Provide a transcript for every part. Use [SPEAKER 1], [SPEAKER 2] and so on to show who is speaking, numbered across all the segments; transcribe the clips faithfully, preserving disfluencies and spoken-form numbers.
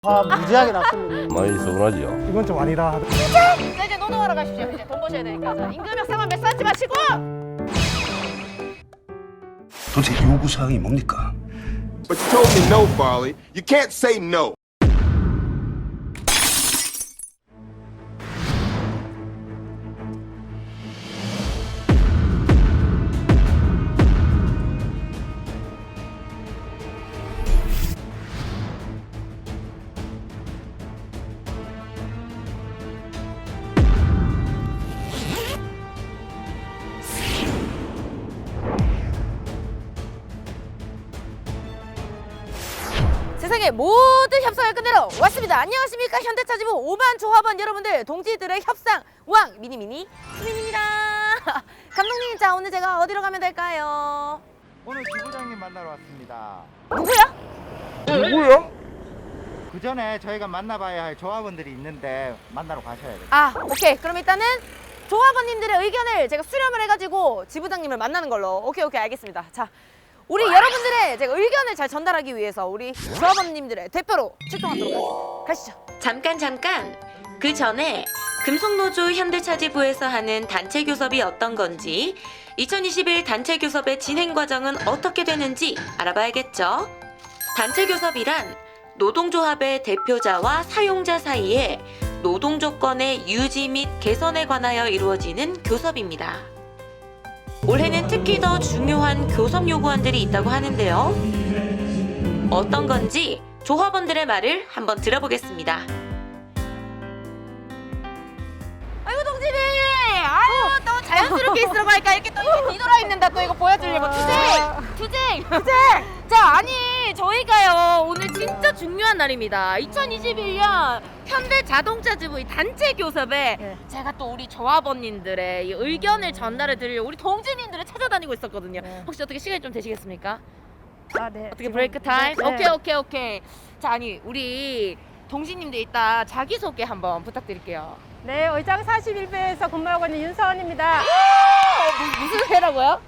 [SPEAKER 1] 화 무지하게 났습니다.
[SPEAKER 2] 많이 서운하지요.
[SPEAKER 1] 이건 좀 아니라.
[SPEAKER 3] 자, 이제 노동하러 가십시오. 이제 돈 버셔야 되니까. 자, 임금 협상만 몇 쌓지 마시고.
[SPEAKER 4] 도대체 요구사항이 뭡니까?
[SPEAKER 5] But you told me no, Farley. You can't say no.
[SPEAKER 3] 세상의 모든 협상을 끝내러 왔습니다. 안녕하십니까, 현대차지부 오만 조합원 여러분들, 동지들의 협상 왕 미니미니 수민입니다. 감독님, 자 오늘 제가 어디로 가면 될까요?
[SPEAKER 6] 오늘 지부장님 만나러 왔습니다.
[SPEAKER 3] 누구야?
[SPEAKER 2] 누구야?
[SPEAKER 6] 그 전에 저희가 만나봐야 할 조합원들이 있는데 만나러 가셔야 돼요.
[SPEAKER 3] 아, 오케이. 그럼 일단은 조합원님들의 의견을 제가 수렴을 해가지고 지부장님을 만나는 걸로. 오케이, 오케이, 알겠습니다. 자, 우리 여러분들의 제가 의견을 잘 전달하기 위해서 우리 조합원님들의 대표로 출동하도록 하겠습니다. 가시죠.
[SPEAKER 7] 잠깐 잠깐 그 전에 금속노조 현대차지부에서 하는 단체 교섭이 어떤 건지 이천이십일 단체 교섭의 진행 과정은 어떻게 되는지 알아봐야겠죠. 단체 교섭이란 노동조합의 대표자와 사용자 사이에 노동 조건의 유지 및 개선에 관하여 이루어지는 교섭입니다. 올해는 특히 더 중요한 교섭 요구안들이 있다고 하는데요. 어떤 건지 조합원들의 말을 한번 들어보겠습니다.
[SPEAKER 3] 아이고, 동진이! 아유, 또 자연스럽게 있으라고 하니까 이렇게 또 이렇게 뒤돌아 있는다. 또 이거 보여주려고. 투쟁! 투쟁! 투쟁! 자, 아니, 저희가요, 오늘 진짜 중요한 날입니다. 이천이십일 년 현대자동차지부 단체 교섭에
[SPEAKER 1] 네.
[SPEAKER 3] 제가 또 우리 조합원님들의 이 의견을 전달해 드리려고 우리 동진님들을 찾아다니고 있었거든요.
[SPEAKER 1] 네.
[SPEAKER 3] 혹시 어떻게 시간이 좀 되시겠습니까?
[SPEAKER 1] 아, 네.
[SPEAKER 3] 어떻게
[SPEAKER 1] 지금-
[SPEAKER 3] 브레이크 타임?
[SPEAKER 1] 네.
[SPEAKER 3] 오케이, 오케이, 오케이. 자, 아니, 우리 동진님들 이따 자기소개 한번 부탁드릴게요.
[SPEAKER 1] 네, 의장 사십일 배에서 근무하고 있는 윤서원입니다.
[SPEAKER 3] 어, 무, 무슨 회라고요?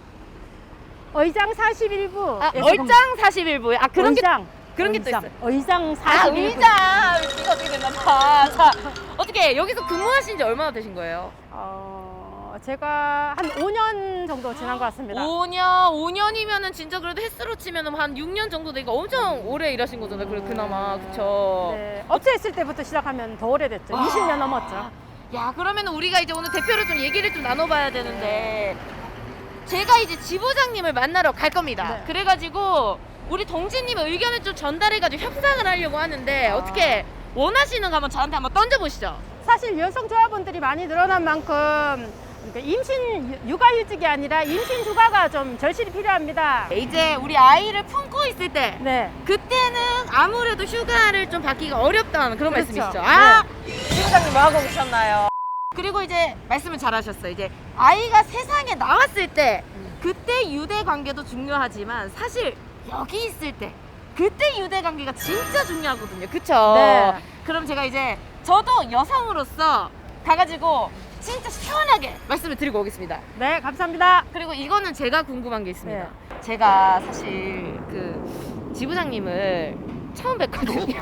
[SPEAKER 1] 의장 사십일 부.
[SPEAKER 3] 아, 얼짱 사십일 부에. 아, 그런 게
[SPEAKER 1] 의장.
[SPEAKER 3] 그런 게 또
[SPEAKER 1] 의장.
[SPEAKER 3] 있어요.
[SPEAKER 1] 의장
[SPEAKER 3] 아,
[SPEAKER 1] 사십일 부.
[SPEAKER 3] 의장. 이거 어떻게 됐나 봐. 자, 어떻게 여기서 근무하신 지 얼마나 되신 거예요?
[SPEAKER 1] 어, 제가 한 오 년 정도 지난 것 같습니다.
[SPEAKER 3] 오 년, 오 년이면은 진짜 그래도 횟수로 치면은 한 육 년 정도 되니까 엄청 오래 일하신 거잖아요. 그래, 그나마. 그쵸?
[SPEAKER 1] 네, 업체 있을 때부터 시작하면 더 오래됐죠.
[SPEAKER 3] 아.
[SPEAKER 1] 이십 년 넘었죠.
[SPEAKER 3] 야, 그러면 우리가 이제 오늘 대표로 좀 얘기를 좀 나눠봐야 되는데, 제가 이제 지부장님을 만나러 갈 겁니다.
[SPEAKER 1] 네.
[SPEAKER 3] 그래가지고 우리 동진님의 의견을 좀 전달해가지고 협상을 하려고 하는데,
[SPEAKER 1] 아.
[SPEAKER 3] 어떻게 원하시는 거 한번 저한테 한번 던져보시죠.
[SPEAKER 1] 사실 여성 조합원들이 많이 늘어난 만큼 그러니까 임신 유- 육아휴직이 아니라 임신 휴가가 좀 절실히 필요합니다.
[SPEAKER 3] 이제 우리 아이를 품고 있을 때,
[SPEAKER 1] 네.
[SPEAKER 3] 그때는 아무래도 휴가를 좀 받기가 어렵다는 그런
[SPEAKER 1] 그렇죠.
[SPEAKER 3] 말씀이시죠. 아, 지부장님 뭐 하고 계셨나요? 그리고 이제 말씀을 잘하셨어요. 이제 아이가 세상에 나왔을 때 그때 유대 관계도 중요하지만 사실 여기 있을 때 그때 유대 관계가 진짜 중요하거든요. 그쵸?
[SPEAKER 1] 네.
[SPEAKER 3] 그럼 제가 이제 저도 여성으로서 가가지고 진짜 시원하게 말씀을 드리고 오겠습니다.
[SPEAKER 1] 네, 감사합니다.
[SPEAKER 3] 그리고 이거는 제가 궁금한 게 있습니다.
[SPEAKER 1] 네.
[SPEAKER 3] 제가 사실 그 지부장님을 처음 뵀거든요.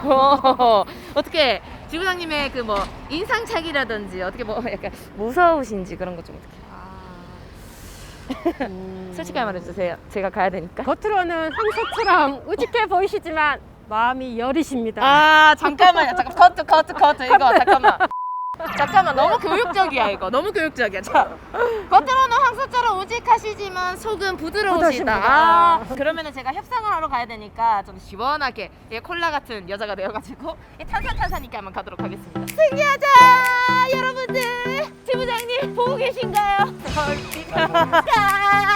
[SPEAKER 3] 어떻게 지부장님의 그 뭐 인상착이라든지 어떻게 뭐 약간 무서우신지 그런 거 좀 어떻게
[SPEAKER 1] 음,
[SPEAKER 3] 솔직하게 말해주세요. 제가 가야 되니까.
[SPEAKER 1] 겉으로는 황소처럼 우직해 보이시지만 마음이 여리십니다.
[SPEAKER 3] 아, 잠깐만요. 잠깐 커트 커트 커트 이거 잠깐만. 잠깐만, 너무 교육적이야 이거. 너무 교육적이야. 자, 겉으로는 황소처럼 우직하시지만 속은 부드러우시다.
[SPEAKER 1] 부드십니다.
[SPEAKER 3] 아, 그러면은 제가 협상을 하러 가야 되니까 좀 시원하게 이 콜라 같은 여자가 되어가지고 이 탄산탄산있게 한번 가도록 하겠습니다. 승리하자, 여러분들. 지부장님 보고 계신가요?